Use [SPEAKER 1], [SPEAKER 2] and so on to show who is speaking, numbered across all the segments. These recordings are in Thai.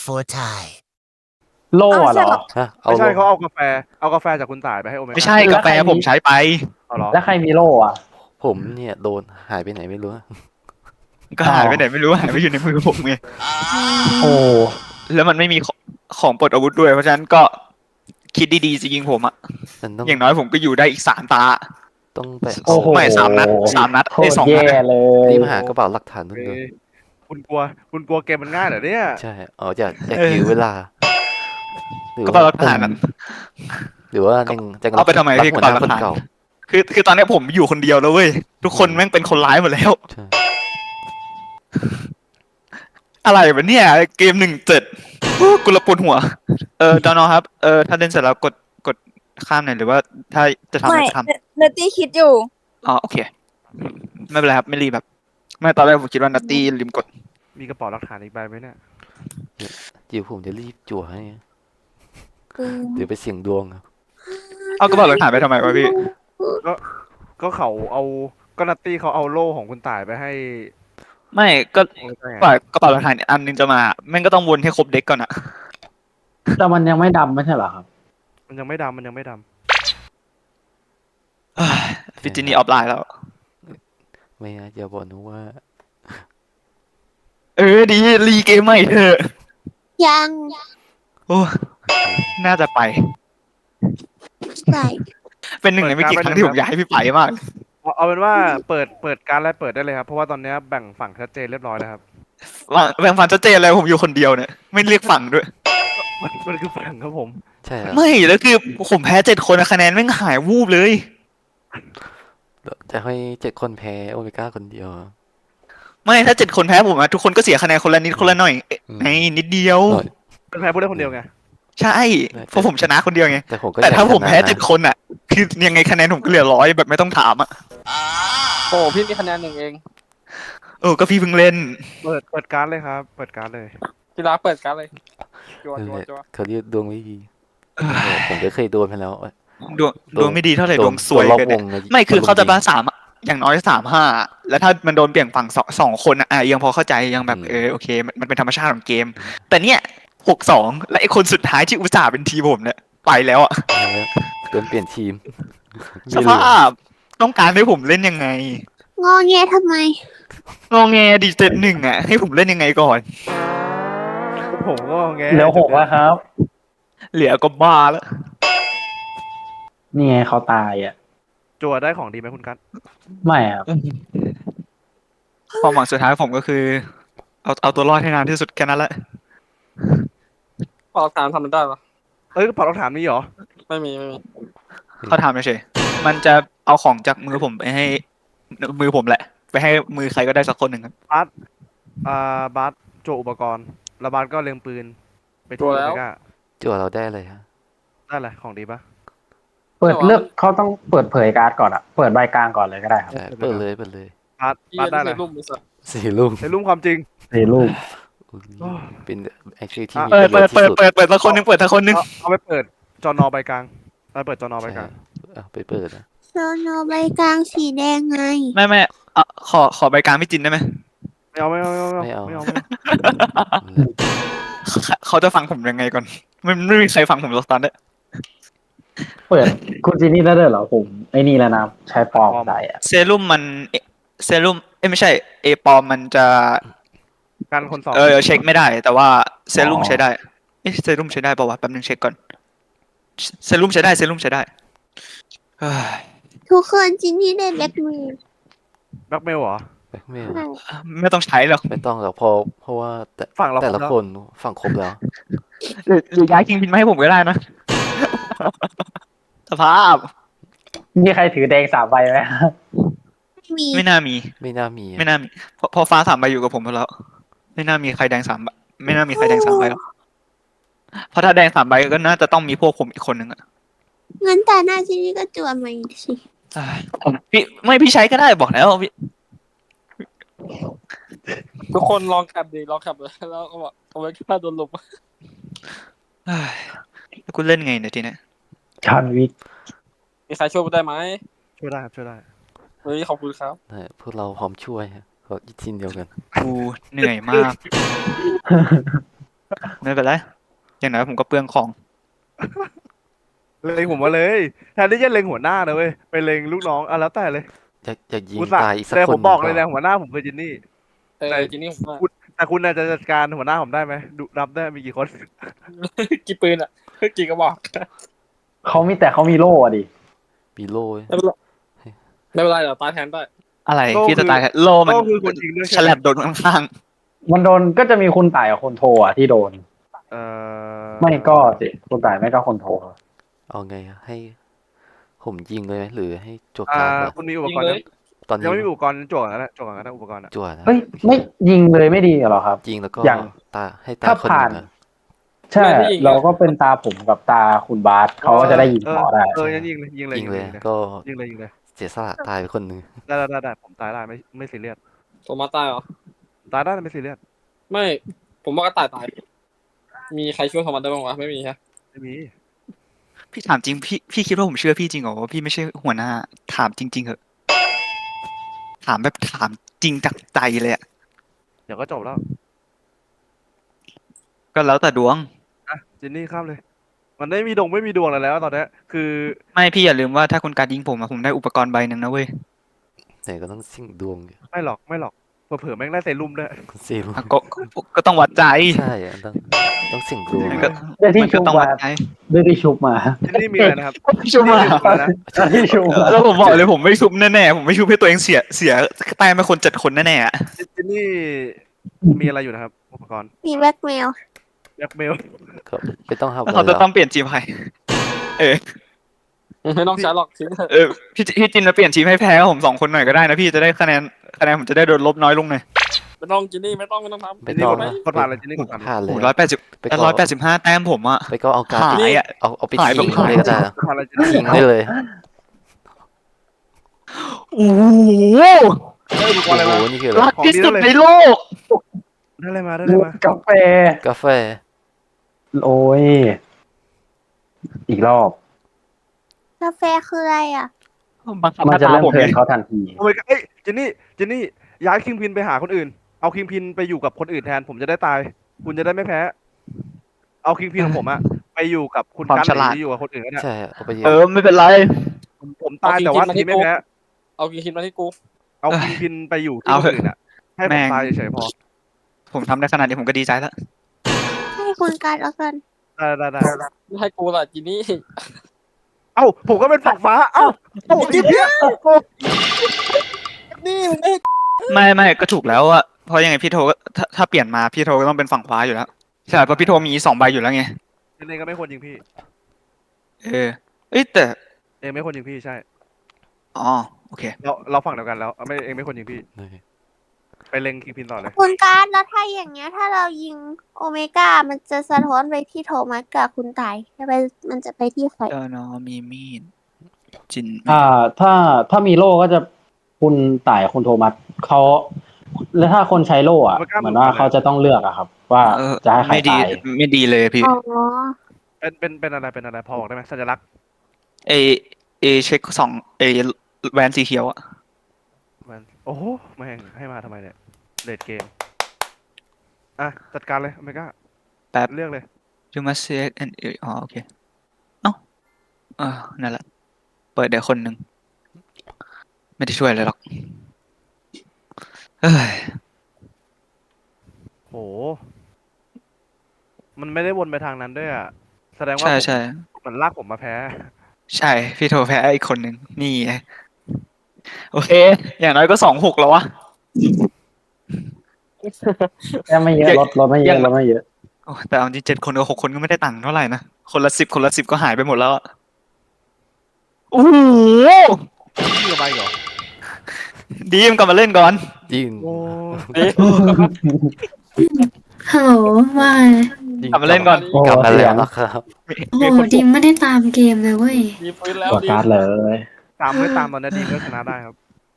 [SPEAKER 1] for Thai
[SPEAKER 2] โล่เหรอ
[SPEAKER 3] ฮะเอา
[SPEAKER 4] ไม่ใช่
[SPEAKER 3] ลง
[SPEAKER 4] เขาเอากาแฟจากคุณต่ายไปให้โอเมก้า
[SPEAKER 5] ไม่ใช่
[SPEAKER 2] แล้
[SPEAKER 5] กาว แฟ
[SPEAKER 2] ใครมี
[SPEAKER 5] ผมใช้ไป
[SPEAKER 4] เอาเหรอ
[SPEAKER 2] แล้วใครมีโล่อะ
[SPEAKER 3] ผมเนี่ยโดนหายไปไหนไม่รู้
[SPEAKER 5] ก็หายไปไหนไม่รู้หายไปอยู่ในมือผมไง
[SPEAKER 2] โอ้
[SPEAKER 5] แล้วมันไม่มีของปลดอาวุธด้วยเพราะฉะนั้นก็คิดดีๆจะยิงผมอะ
[SPEAKER 3] มันต้อง
[SPEAKER 5] อย่างน้อยผมก็อยู่ได้อีก3 ตา
[SPEAKER 3] ต้องไป
[SPEAKER 2] โอ้โห
[SPEAKER 5] ไม่3 นัด3 นัด
[SPEAKER 2] โค
[SPEAKER 5] ไอ้
[SPEAKER 2] ตร
[SPEAKER 5] 2
[SPEAKER 2] แย่
[SPEAKER 5] นัด
[SPEAKER 2] เลย
[SPEAKER 3] รีบหากระเป๋าหลักฐานนู่นด้วย
[SPEAKER 4] คุณกลัวเกมมันง่ายเหรอเนี่ย
[SPEAKER 3] ใช่อยากยื้อเวลาหรือ
[SPEAKER 5] ก็เปล่า
[SPEAKER 3] ว่า
[SPEAKER 5] หลักฐานอะ
[SPEAKER 3] หรือว่าจะ
[SPEAKER 5] เอาไปทำไม
[SPEAKER 3] รับ
[SPEAKER 5] พี่
[SPEAKER 3] หัว
[SPEAKER 5] กระ
[SPEAKER 3] ห
[SPEAKER 5] เป๋า
[SPEAKER 3] น้า
[SPEAKER 5] หลักฐาน
[SPEAKER 3] คนเก่า
[SPEAKER 5] คือตอนนี้ผมอยู่คนเดียวแล้วเว้ยทุกคนแม่งเป็นคนร้ายหมดแล้ว
[SPEAKER 3] ใช่
[SPEAKER 5] อะไรวะเนี่ยเกม17กูละปวดหัวจอนอครับถ้าเล่นเสร็จแล้วกดข้ามหน่อยหรือว่าถ้าจะทำอะไรทำ
[SPEAKER 6] เนตตี้คิดอยู่
[SPEAKER 5] อ๋อโอเคไม่เป็นไรครับไม่รีบแบบไม่ตอนแรกผมคิดว่านัตตี้ลืมกด
[SPEAKER 4] มีกระเป๋าหลักฐานอีกใบไหมเนี่ย
[SPEAKER 3] จิ๋วผมจะรีบจั่วให้เดี๋ยวไปเสี่ยงดวงครับ
[SPEAKER 5] เอากระเป๋าหลักฐานไปทำไมวะพี่
[SPEAKER 4] ก็เขาเอาก็นัตตี้เขาเอาโล่ของคุณต่ายไปให้
[SPEAKER 5] ไม่ก็
[SPEAKER 4] โอเมก้าไง
[SPEAKER 5] กระเป๋าหลักฐานอันนึงจะมาแม่งก็ต้องวนให้ครบเด็กก่อนอะ
[SPEAKER 2] แต่มันยังไม่ดำไม่ใช่เหรอครับ
[SPEAKER 4] มันยังไม่ดำ
[SPEAKER 5] ฟิจินี่ออฟไลน์แล้ว
[SPEAKER 3] ไม่นะอย่าบอกนะว่า
[SPEAKER 5] ดีรีเกมใหม่เถอะ
[SPEAKER 6] ยัง
[SPEAKER 5] โอ้น่าจะไป
[SPEAKER 6] ใช่
[SPEAKER 5] เป็นหนึ่งในไม่กี่ครั้งที่ผมอยากให้พี่ไปมาก
[SPEAKER 4] เอาเป็นว่าเปิดการอะไรเปิดได้เลยครับ เพราะว่าตอนนี้แบ่งฝั่งชัดเจนเรียบร้อยแล้วครับ
[SPEAKER 5] ว่าแบ่งฝันชัดเจนเลยผมอยู่คนเดียวเนี่ยไม่เรียกฝั่งด้วย
[SPEAKER 4] มันคือฝั่งครับผม
[SPEAKER 3] ใช่ครับ
[SPEAKER 5] ไม่แล้วคือผมแพ้7 คนคะแนนแม่งหายวูบเลย
[SPEAKER 3] จะให้7 คนแพ้โอเมก้าคนเดียว
[SPEAKER 5] ไม่ถ้า7 คนแพ้ผมอะทุกคนก็เสียคะแนนคนละนิดคนละหน่อย
[SPEAKER 3] อืม
[SPEAKER 5] ไอ้นิดเดียว
[SPEAKER 3] หน่อย
[SPEAKER 4] เป็นแพ้ผู้เล่นคนเดียวไง
[SPEAKER 5] ใช่เพราะผมชนะคนเดียวไง
[SPEAKER 3] แต่ผมก็
[SPEAKER 5] แต่ถ้า
[SPEAKER 3] อยก
[SPEAKER 5] ผมแพ้
[SPEAKER 3] ชนะนะ
[SPEAKER 5] 7 คนอ่ะ คือยังไงคะแนนผมก็เหลือ100แบบไม่ต้องถามอ่ะ
[SPEAKER 7] โอ้พี่มีคะแนน1 เอง
[SPEAKER 5] ก็พี่เพิ่งเล่น
[SPEAKER 4] เปิดการดเลยครับ เปิดการดเลย
[SPEAKER 7] กีฬาเปิดกันเลยจัว
[SPEAKER 3] นั่น
[SPEAKER 7] จัว
[SPEAKER 3] แหละ
[SPEAKER 7] จัว
[SPEAKER 3] เขาเรียกดวงไม่ดีผมก็เคยโดนไปแล้ว
[SPEAKER 5] ดวงไม่ดีเท่าไหร่ดวงสวย
[SPEAKER 3] รอบ
[SPEAKER 5] เกิน
[SPEAKER 3] ว
[SPEAKER 5] เนี่ย
[SPEAKER 3] งนะ
[SPEAKER 5] ไม่คือเขาจะบ้า3อะอย่างน้อย3-5แล้วถ้ามันโดนเปลี่ยนฝั่งสองคนอะยังพอเข้าใจยังแบบโอเคมันเป็นธรรมชาติของเกม แต่เนี่ย6-2และไอ้คนสุดท้ายที่อุตส่าห์เป็นทีมผมเนี่ยไปแล้วอะ
[SPEAKER 3] โดนเปลี่ยนทีม
[SPEAKER 5] สภาพต้องการให้ผมเล่นยังไง
[SPEAKER 6] งอแงทำไม
[SPEAKER 5] งอแงดี7-1อะให้ผมเล่นยังไงก่อน
[SPEAKER 4] ผมก็แง
[SPEAKER 2] เหลือ6แล้วครับ
[SPEAKER 5] เหลือก็บ้าแล้ว
[SPEAKER 2] นี่ไงเขาตายอ่ะ
[SPEAKER 4] จั่วได้ของดีไหมคุณกัต
[SPEAKER 2] ไม่ครับ
[SPEAKER 5] ความหวังสุดท้ายผมก็คือ เอาตัวรอดให้นานที่สุดแค่นั้นแหละ
[SPEAKER 7] ออกฐานทำมันได้ปะ
[SPEAKER 4] กระเป๋าหลักฐานมีเหรอ
[SPEAKER 7] ไม่มี
[SPEAKER 5] เขาทำเฉยๆมันจะเอาของจากมือผมไปให้มือผมแหละ ไปให้มือใครก็ได้สักคนหนึ่งครับ
[SPEAKER 4] บาสจั่วอุปกรณ์แล้วบาสก็เล็งปืน ไปที่โอเมก้า
[SPEAKER 3] จั่วเราได้เลยฮะ
[SPEAKER 4] ได้เลยของดีปะ
[SPEAKER 2] เปิดเลือกเขาต้องเปิดเผยการ์ดก่อนอ่ะ เปิดใบกลางก่อนเลยก็ได้ครับ
[SPEAKER 3] ใช่เปิดเลย
[SPEAKER 4] บาส
[SPEAKER 7] พี่
[SPEAKER 4] บาสได้
[SPEAKER 7] ได้
[SPEAKER 4] เลย
[SPEAKER 7] รูปมือสัตว์
[SPEAKER 3] 4 ลูก
[SPEAKER 4] ในรุ่มความจริง
[SPEAKER 2] สี่ลูก
[SPEAKER 3] เป็นไอชื่อที่มี
[SPEAKER 5] เปิด
[SPEAKER 3] ประโย
[SPEAKER 5] เปิ
[SPEAKER 3] ช
[SPEAKER 5] ด
[SPEAKER 3] น์
[SPEAKER 5] เปิ
[SPEAKER 3] ที่
[SPEAKER 5] ด
[SPEAKER 3] สุด
[SPEAKER 5] เปิดสักคนหนึ่งเปิดสักคนหนึ่ง
[SPEAKER 4] เอาไปเปิดจอนอใบกลางไปเปิดจอนอใบกลาง
[SPEAKER 3] ไปเปิดนะ
[SPEAKER 6] โซโนใบกลางสีแดงไง
[SPEAKER 5] ไม่ขอใบกลางพี่จินได้ไหม
[SPEAKER 4] ไม่เอา
[SPEAKER 5] เขาจะฟังผมยังไงก่อนไม่มีใครฟังผมสักตอนเนี่ย
[SPEAKER 2] เปิดคุณจีนี่ได้ด้วยเหรอผมไอ้นี่แล้วนะใช้ปลอมใส่อ่ะ
[SPEAKER 5] เซรุ่มมันเซรุ่มไม่ใช่เอปอมมันจะ
[SPEAKER 4] การคนสอง
[SPEAKER 5] เช็คไม่ได้ แต่ว่าเซรุ่มใช้ได้เซรุ่มใช้ได้ป่าวะแป๊บนึงเช็คก่อนเซรุ่มใช้ได้เฮ้ย
[SPEAKER 6] ทุกคนจินนี่ได้แบล็กมือ
[SPEAKER 4] แบล็กเมลเหรอ
[SPEAKER 3] แบ็คเมล
[SPEAKER 5] ไม่ต้องใช้หรอก
[SPEAKER 3] ไม่ต้องหรอกเพราะว่าแต่
[SPEAKER 4] ฝั่งเรา
[SPEAKER 3] แต่ละ
[SPEAKER 4] ครบแล้ว
[SPEAKER 3] คนฝั่งครบแล้ว
[SPEAKER 5] หรือย้ายคิงบินมาให้ผมก็ได้นะ สภาพ
[SPEAKER 2] มีใครถือแดง3 ใบไหม
[SPEAKER 6] ไม่มี
[SPEAKER 5] ไม่น่ามี
[SPEAKER 3] ไม่น่ามี
[SPEAKER 5] ไม่น่ามีเพอฟ้า3 ใบอยู่กับผมหมดแล้ว ไม่น่ามีใครแดง3 ใบไม่น่ามีใครแดง3 ใบหรอกเพราะถ้าแดง3 ใบก็น่าจะต้องมีพวกผมอีกคนนึงอะ
[SPEAKER 6] งั้นตาหน้าจินนี่ก็จั่วมาอีกสิ
[SPEAKER 5] พี่ใช้ก็ได้บอกแล้วพี่
[SPEAKER 7] ทุกคนลองแคปดิลองแคปเลยแล้วก็บอกเอาไว้ค่าโดนลบ
[SPEAKER 5] แล้วคุณเล่นไงเนี่ยทีเนี้ย
[SPEAKER 2] ชอนวิก
[SPEAKER 7] มีใครช่วยกูได้ไหม
[SPEAKER 4] ช่วยได้ครับช่วยได้
[SPEAKER 7] เฮ้ยขอบคุณครับ
[SPEAKER 3] พวกเราพร้อมช่วยฮะเพราะทีมเดียวกัน
[SPEAKER 5] กูเหนื่อยมากไม่เป็นไรอย่างน้อยผมก็เปลืองของ
[SPEAKER 4] เล็งผมมาเลยแทนที่จะเล็งหัวหน้านะเว้ยไปเล็งลูกน้องอ่ะแล้วแต่เลย
[SPEAKER 3] จะยิง
[SPEAKER 4] อุตส่าห์
[SPEAKER 3] ตายอีกสัก
[SPEAKER 4] แต่
[SPEAKER 3] คน
[SPEAKER 4] ผมบอก
[SPEAKER 3] ห
[SPEAKER 4] เล
[SPEAKER 3] นึ่
[SPEAKER 4] ย
[SPEAKER 3] ง
[SPEAKER 4] นะหัวหน้าผมคือจินนี่
[SPEAKER 7] ทีนี้ผมว่า
[SPEAKER 4] แต่คุณน่ะจะจัดการหัวหน้าผมได้ไหมดูรับได้มีกี่คน
[SPEAKER 7] กี่ปืนอ่ะกี่กระบอก
[SPEAKER 2] เขามีโล่อะดิ
[SPEAKER 3] ปีโล่
[SPEAKER 7] ไม่เป็นไรเดี๋ยวตายแทนได้
[SPEAKER 5] อะไร
[SPEAKER 4] โล่
[SPEAKER 5] พี่จะ
[SPEAKER 4] คือ
[SPEAKER 5] ตายโลมัน
[SPEAKER 4] โล่คือคนจริงด้วย
[SPEAKER 5] ฉ
[SPEAKER 4] ใช่ไหม
[SPEAKER 5] ลับโดนข้าง
[SPEAKER 2] มันโดนก็จะมีคุณต่ายกับคนโทอะที่โดน
[SPEAKER 4] เอ่อ
[SPEAKER 2] ไม่ก็สิคุณต่ายไม่ก็คนโท
[SPEAKER 3] เอาไงอะให้ผมยิงเลยไหมหรือให้จวด
[SPEAKER 4] อ่า
[SPEAKER 3] การ์ดเหรอ
[SPEAKER 4] คุณมีอุป
[SPEAKER 7] ยิง
[SPEAKER 4] กรณ์
[SPEAKER 7] เล
[SPEAKER 4] ยั
[SPEAKER 7] ย
[SPEAKER 4] ง
[SPEAKER 3] ตอนนี้
[SPEAKER 4] ยังไม่มีอุปกรณ์จวดกันนะจวดกันนะอุปกรณ์อะ
[SPEAKER 3] จวดนะ
[SPEAKER 2] เฮ้ยไม่ยิงเลยไม่ดีเหรอครับ
[SPEAKER 3] ยิงแล้วก็
[SPEAKER 2] อย่าง
[SPEAKER 3] ตาให้ตา
[SPEAKER 2] ถ้า
[SPEAKER 3] คนห
[SPEAKER 2] ผ่าน
[SPEAKER 3] นึ่งอะ
[SPEAKER 2] ใช่ เราก็เป็นตาผมกับตาคุณบาสเขาก็จะได้ยิงต่อได้
[SPEAKER 4] ยังยิงเลยยิงเลย
[SPEAKER 3] ยิงเลย
[SPEAKER 4] ยิงเลย
[SPEAKER 3] ก็
[SPEAKER 4] ยิงเลยยิงเลย
[SPEAKER 3] เสียสละตายไปคนหนึ่ง
[SPEAKER 4] ได้ผมตายได้ไม่ซีเรียส
[SPEAKER 7] ผมมาตายเหรอ
[SPEAKER 4] ตายได้ไม่ซีเรียส
[SPEAKER 7] ไม่ ผมว่ากระต่ายตาย มีใครช่วยโทมัสได้บ้างวะไม่มีฮะ
[SPEAKER 4] ไม่มี
[SPEAKER 5] ๆพี่ถามจริงพี่คิดว่าผมเชื่อพี่จริงเหรอว่าพี่ไม่ใช่หัวหน้าถามจริงๆเหอะถามแบบถามจริงจากใจเลยอะ
[SPEAKER 4] เดี๋ยวก็จบแล้ว
[SPEAKER 5] ก็แล้วแต่ดวง
[SPEAKER 4] อ่ะจินนี่ข้ามเลย มันไม่มีไม่มีดวงอะไรแล้วตอนเนี้ยคือ
[SPEAKER 5] ไม่พี่อย่าลืมว่าถ้าคุณการยิงผมอะผมได้อุปกรณ์ใบหนึ่งนะเว้ย
[SPEAKER 3] แต่ก็ต้องสิ่งดวงอยู่
[SPEAKER 4] ไม่หรอกเผื่อแม่งได้เซรุ่มด้วย
[SPEAKER 3] เสียรู้
[SPEAKER 5] อ่ะก็ต้องวัดใจ
[SPEAKER 3] ใช่อะต้องสิ่งดวง
[SPEAKER 5] มันก็
[SPEAKER 2] ได้ที่
[SPEAKER 5] มัน
[SPEAKER 2] ชุ
[SPEAKER 5] ก็
[SPEAKER 2] บ
[SPEAKER 5] ต้อง
[SPEAKER 2] มา
[SPEAKER 5] วัดใจ
[SPEAKER 2] ได้ที่ชุบมา
[SPEAKER 4] จินนี่มีอะไรนะครับ
[SPEAKER 5] ชุบมา
[SPEAKER 4] จินนี่มีอะไรนะ
[SPEAKER 2] ได้ที่ชุบมา
[SPEAKER 5] แล้วผมบอกเลยผมไม่ชุบแน่ๆผมไม่ชุบให้ตัวเองเสียแต้มไปคน7 คนแน่ๆอะ
[SPEAKER 4] จินนี่มีอะไรอยู่นะครับอุปกรณ์
[SPEAKER 6] มีแบล็กเมล
[SPEAKER 4] แบล็กเมล
[SPEAKER 3] ก็ไม่ต้องทำ
[SPEAKER 5] แล้ว
[SPEAKER 3] อะไร
[SPEAKER 5] เขาจะ
[SPEAKER 3] หร
[SPEAKER 5] ต้
[SPEAKER 3] อ
[SPEAKER 5] องเปลี่ยนทีมใครเออ
[SPEAKER 7] ไม่ต้องใช้หรอกทิ้งเถอะ
[SPEAKER 5] เออพี่จินมาเปลี่ยนทีมให้แพ้กับผม2 คนหน่อยก็ได้นะพี่จะได้คะแนนผมจะได้โดนลบน้อยลงหน่อย
[SPEAKER 7] ไม่ต้องกินนี่ไม่ต้องทำ
[SPEAKER 3] ไม่
[SPEAKER 4] จินนี่
[SPEAKER 3] ต้อง
[SPEAKER 4] กด
[SPEAKER 3] นะ
[SPEAKER 4] กดผ่านเลยจินนี่กดผ่าน
[SPEAKER 3] ผ่านเลย
[SPEAKER 5] โอ้
[SPEAKER 3] อะ
[SPEAKER 5] 180
[SPEAKER 3] ไปก็
[SPEAKER 5] 185 แต้มผมอะ
[SPEAKER 3] ไปก็เอาการ์ด
[SPEAKER 5] หายอะ
[SPEAKER 3] เอาไป
[SPEAKER 5] หายแบบ
[SPEAKER 3] ทิ้งเลยก็ได้นะ
[SPEAKER 4] กดผ่านเลยจินนี่
[SPEAKER 3] ทิ้งได้เลย
[SPEAKER 5] โอ้โห
[SPEAKER 4] ได้อุปก
[SPEAKER 3] โอ้
[SPEAKER 4] รณ์อะไร
[SPEAKER 3] โห
[SPEAKER 4] มา
[SPEAKER 3] นี่คืออะไร
[SPEAKER 5] รักที่สุดในโลก
[SPEAKER 4] ได้อะไรมาได้อะไรมา
[SPEAKER 2] กาแฟ
[SPEAKER 3] กาแฟ
[SPEAKER 2] โอ้ย อีกรอบ
[SPEAKER 6] กาแฟคืออะไรอ่ะ
[SPEAKER 5] บังคับ
[SPEAKER 2] มัน
[SPEAKER 5] ห
[SPEAKER 2] จะ
[SPEAKER 5] น้าตา
[SPEAKER 2] เริ่ม
[SPEAKER 5] ผม
[SPEAKER 2] เทิ
[SPEAKER 5] ไง
[SPEAKER 2] ร์นเขาทันที
[SPEAKER 4] โอ้ยเอ้ยจินนี่ย้ายคิงพินไปหาคนอื่น เอาคิงพินไปอยู่กับคนอื่นแทน ผมจะได้ตาย คุณจะได้ไม่แพ้ เอาคิงพินของผมอะไปอยู่กับคุณ
[SPEAKER 5] ความ
[SPEAKER 4] กัน
[SPEAKER 5] ฉ
[SPEAKER 4] หรื
[SPEAKER 5] ลาด
[SPEAKER 4] ออยู่กับคนอื่นก็ได้
[SPEAKER 3] ใช่อะเอาไปยิง
[SPEAKER 5] ไม่เป็นไร
[SPEAKER 4] ผมตายแต่ว่าทีมไม่แพ้
[SPEAKER 7] เอากินคิดมาที่กู
[SPEAKER 4] เอาคิงพินไปอยู่ที่
[SPEAKER 5] เอา
[SPEAKER 4] คน
[SPEAKER 5] เถอะ
[SPEAKER 4] อื่นอะให้ผ
[SPEAKER 5] แม่
[SPEAKER 4] ม
[SPEAKER 5] ง
[SPEAKER 4] ตายเฉยๆพอ
[SPEAKER 5] ผมทำได้ขนาดนี้ผมก็ดีใจแล้ว
[SPEAKER 6] ให้คุณการเอากัน
[SPEAKER 4] ได้
[SPEAKER 7] ไม่ให้กูล่ะจินนี่
[SPEAKER 4] เอ้าผมก็เป็นฝักฟ้า เอ้าจินนี่
[SPEAKER 7] นี่มึงไม่
[SPEAKER 5] ไม่ก็ถูกแล้วอะเพราะยังไงพี่โทก็ถ้าเปลี่ยนมาพี่โทก็ต้องเป็นฝั่งขวาอยู่แล้วใช่เพราะพี่โทมี2 ใบอยู่แล้วไง
[SPEAKER 4] จินนี่ก็ไม่ควรยิงพี่
[SPEAKER 5] เอ้ยแต่
[SPEAKER 4] เองไม่ควรยิงพี่ใช่
[SPEAKER 5] อ๋อโอเค
[SPEAKER 4] เราฝั่งเดียวกันแล้วไม่เองไม่ควรยิงพี่ ไปเล็งคิงพินต่อเลย
[SPEAKER 6] คุณการแล้วถ้าอย่างเงี้ย ถ้าเรายิงโอเมก้ามันจะสะท้อนไปที่โทมัสกับคุณตายมันจะไปที่ใคร
[SPEAKER 5] เจ้าน้องมีมีดจิน
[SPEAKER 2] ถ้ามีโล่ก็จะคุณต่ายคุณโทมัสเขาแล้วถ้าคนใช้โล่อะเหมือนว่าเขาจะต้องเลือกอะครับ ว่าจะให้ใคร
[SPEAKER 5] ไม่ดี
[SPEAKER 2] ตาย
[SPEAKER 5] ไม่ดีเลยพี่
[SPEAKER 6] อ๋อ
[SPEAKER 4] เป็นอะไรพอบอกได้ไหมสัญลักษณ์
[SPEAKER 5] เอเช็คแวนสีเขียวอะ
[SPEAKER 4] มันโอ้โหแม่งให้มาทำไมเนี่ยเลดเกมอ่ะจัดการเลยอเมริกา
[SPEAKER 5] แป๊บ
[SPEAKER 4] เลือกเลย
[SPEAKER 5] You must say it and อ๋อโอเคเอ้านั่นแหละเปิดเดี๋ยวคนหนึ่งไม่ได้ช่วยอะไรหรอกเฮ้ย
[SPEAKER 4] โหมันไม่ได้วนไปทางนั้นด้วยอ่ะแสดงว่า
[SPEAKER 5] ใช่
[SPEAKER 4] มันลากผมมาแพ้
[SPEAKER 5] ใช่พี่โทรแพ้อีกคนหนึ่งนี่ไงโอเค อย่างน้อยก็2-6แล้ววะ
[SPEAKER 2] แค่ไม่เยอะลดไม่เยอะลดไม่เยอะ
[SPEAKER 5] โอ้แต่เอาจริง7 คนกับ6 คนก็ไม่ได้ตังค์เท่าไหร่นะคนละ10ก็หายไปหมดแล้วอะโอ้โห
[SPEAKER 4] นี่ไปเหรอ
[SPEAKER 5] ดีมกลับมาเล่นก่อน
[SPEAKER 3] ยิง
[SPEAKER 4] โอ้
[SPEAKER 1] ฮัลโหลว่า
[SPEAKER 3] ยิง
[SPEAKER 5] กลับมาเล่นก่อน
[SPEAKER 2] โอ้
[SPEAKER 3] กลับมา
[SPEAKER 2] เสี
[SPEAKER 3] แล้
[SPEAKER 2] ยว ง
[SPEAKER 3] นะครับ
[SPEAKER 1] โอ้โหดิมไม่ได้ตามเกมเลยเว้ย
[SPEAKER 7] มีปืนแล้ว
[SPEAKER 2] ตัว
[SPEAKER 7] ดิ
[SPEAKER 2] การ์ดเลย
[SPEAKER 4] ตามตอนนี้ดีก็ชนะได้ครับ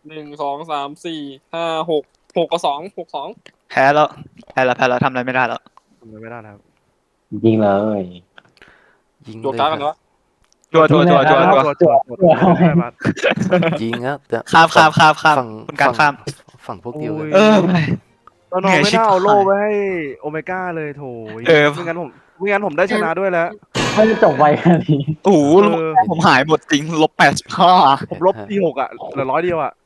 [SPEAKER 7] 1 2 3 4 5 6 6 กับ 2 6 2
[SPEAKER 5] แพ้แล้วทำอะไรไม่ได้แล้ว
[SPEAKER 4] ทำไม่ได้นะครับ
[SPEAKER 2] ยิงเลย
[SPEAKER 3] ยิง
[SPEAKER 7] ตัว
[SPEAKER 3] เลย
[SPEAKER 7] การ์ด
[SPEAKER 3] ค
[SPEAKER 7] กัน
[SPEAKER 3] รับ
[SPEAKER 7] วะ
[SPEAKER 5] จัว
[SPEAKER 4] ตัวได้มา
[SPEAKER 3] ยิงครับแต่
[SPEAKER 5] ข้าม
[SPEAKER 3] ฝั่ง
[SPEAKER 5] คุณการข้าม
[SPEAKER 3] ฝั่งพวกเดียว
[SPEAKER 4] โอ้
[SPEAKER 3] เลย ย
[SPEAKER 5] เออ
[SPEAKER 4] ตอนนอนไม่น่าเอาโล่ไว้ให้โอเมก้าเลยโถย
[SPEAKER 5] เออ
[SPEAKER 4] ไม่งั้นผมได้ชนะด้วยแล้ว
[SPEAKER 2] ไม่ได้จบไวขนาดนี้
[SPEAKER 5] โอ้โห
[SPEAKER 4] เออ
[SPEAKER 5] ผมหายหมดจริง-85
[SPEAKER 4] ผมลบที่6อ่ะเหลือ100 เดียวอ่ะ